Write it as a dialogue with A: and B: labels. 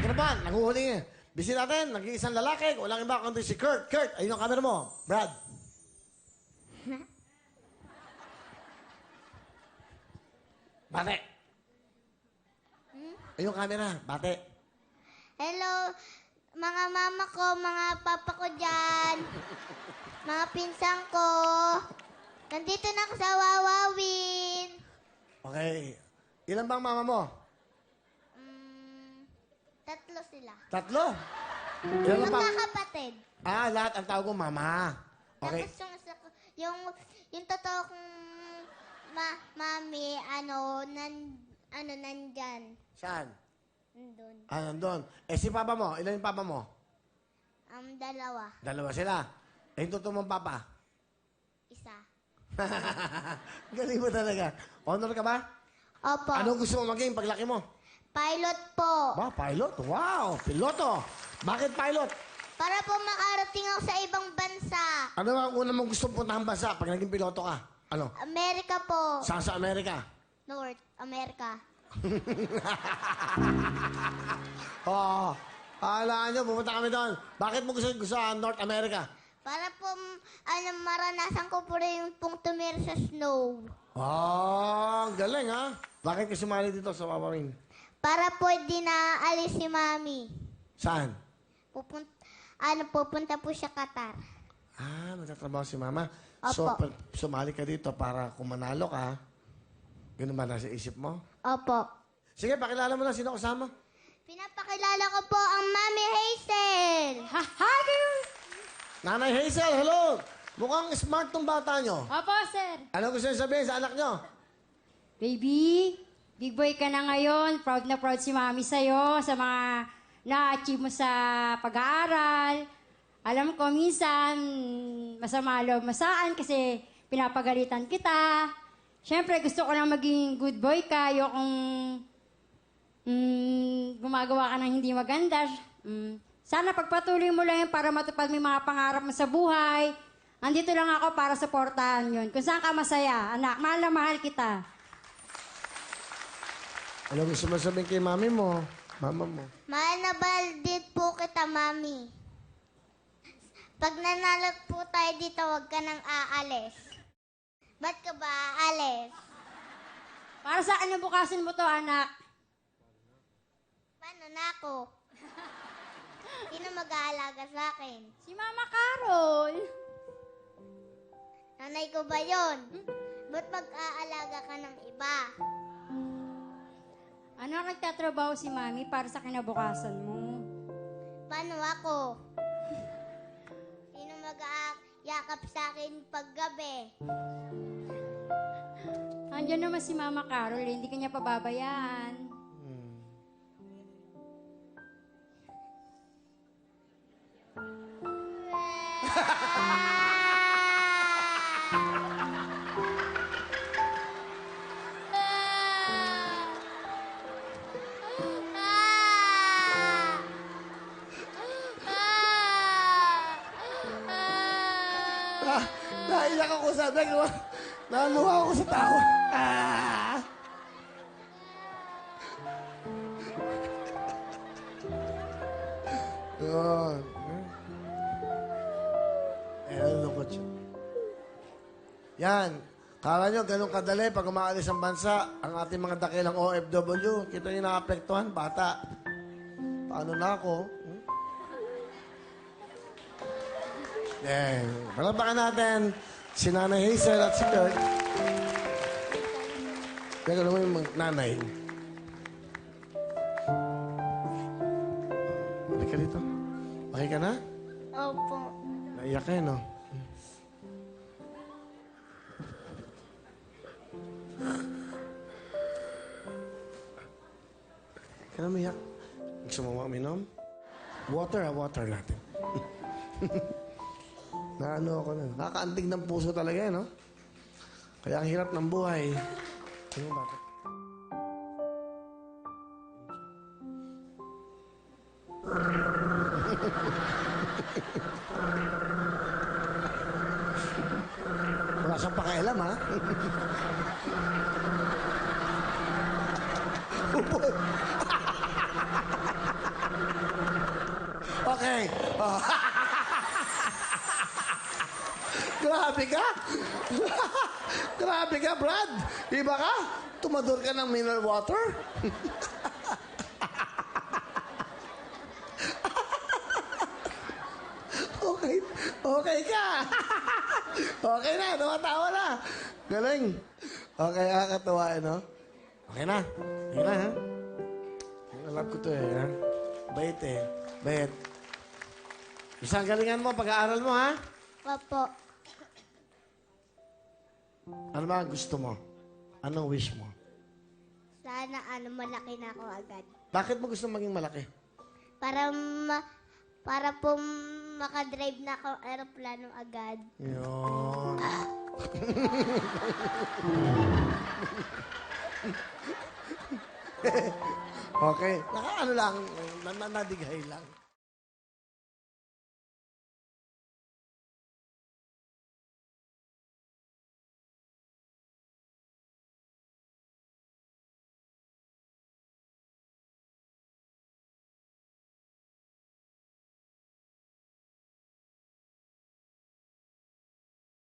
A: naman, nanguhuli eh. Bisi natin, nag-iisang lalaki, walang iba kundi si Kurt. Kurt, ayun ang camera mo. Brad. Bate. Ayun ang camera, bate.
B: Hello, mga mama ko, mga papa ko dyan, mga pinsang ko. Nandito na ako sa Wawawin.
A: Okay. Ilan bang mama mo?
B: Tatlo sila.
A: Tatlo? Ilan ang
B: Magkakapatid.
A: lahat ang tawag ko mama. Okay.
B: Tapos yung totoo kong mami, nandyan.
A: Saan?
B: Nandun.
A: Nandun. Si papa mo, ilan yung papa mo?
B: Dalawa.
A: Dalawa sila. Yung totoo mong papa?
B: Isa.
A: Galing mo talaga. Honor ka ba?
B: Opo.
A: Anong gusto mo maging paglaki mo?
B: Pilot po.
A: Ba, pilot? Wow, piloto. Bakit pilot?
B: Para po makarating ako sa ibang bansa.
A: Ano ang una mong gusto puntahan bansa pag naging piloto ka? Ano?
B: Amerika po.
A: Saan sa Amerika?
B: North America.
A: Oo. Alaan nyo, pupunta kami doon. Bakit mo gusto sa North America?
B: Para po, maranasan ko po rin yung pong tumira sa snow.
A: Galing ha. Bakit ka sumali dito sa Wawawin?
B: Para po di na alis si Mami.
A: Saan?
B: Pupunta po siya Qatar.
A: Nagtatrabaho si Mama.
B: Opo.
A: So, sumali ka dito para kung manalo ka, ganun ba nasa isip mo?
B: Opo.
A: Sige, pakilala mo lang sino kasama.
B: Pinapakilala ko po ang Mami Hazel.
C: Hi, girl!
A: Nanay Hazel, hello! Mukhang smart tong bata nyo.
C: Opo, sir.
A: Ano gusto nyo sabihin sa anak nyo?
C: Baby, big boy ka na ngayon. Proud na proud si mami sa'yo sa mga na-achieve mo sa pag-aaral. Alam ko, minsan, masama loob masaan kasi pinapagalitan kita. Siyempre, gusto ko lang maging good boy ka. Ayokong gumagawa ka ng hindi maganda. Sana pagpatuloy mo lang yun para matupad mo yung mga pangarap mo sa buhay. Andito lang ako para supportahan yun. Kung saan ka masaya, anak, mahal na mahal kita.
A: Ano gusto mo sabihin kay mami mo? Mama mo?
B: Mahal na baldit po kita, Mami. Pag nanalo po tayo dito, huwag ka nang aalis. Ba't ka ba aalis?
C: Para sa akin bukasin mo to, anak.
B: Paano na ako? Sino mag-aalaga sa akin?
C: Si Mama Carol.
B: Nanay ko ba yon? Ba't mag-aalaga ka ng iba?
C: Ano nagtatrabaho si Mami para sa kinabukasan mo?
B: Paano ako? Sino mag-aayakap sa akin paggabi?
C: Andiyan naman si Mama Carol, hindi ka niya pababayaan.
A: Naiyak ako sa naluha ako sa tawa. Yun. Lungkot siya. Yan. Kala nyo, ganun kadali pag umaalis ang bansa, ang ating mga dakilang OFW, kita nyo naapektuhan, bata. Paano na ako? Palabakan natin si Nanay Hazel at si Kurt. Teka naman yung nanay. Balik ka dito. Okay ka na?
B: Opo.
A: Naiyak ka no? Ka na umiyak. Gusto mo uminom? Water natin. Naano ako na. Nakakaantig ng puso talaga no? Kaya ang hirap ng buhay. Ano bakit? Wala siyang pakialam, ha? Okay. Oh. Grabe ka. Grabe ka, Brad. Iba ka? Tumador ka ng mineral water? Okay. Okay ka. Okay na. Tumatawa na. Galing. Okay, kakatuwa, no? Okay na. Okay na, ha? Alam ko to, ha? Bait, eh. Bait. Isang galingan mo, pag-aaral mo, ha?
B: Opo.
A: Ano ba ang gusto mo? Anong wish mo?
B: Sana malaki na ako agad.
A: Bakit mo gusto maging malaki?
B: Para po makadrive na ako aeroplano agad.
A: Yun. Okay. Naka ano lang, nadighay lang.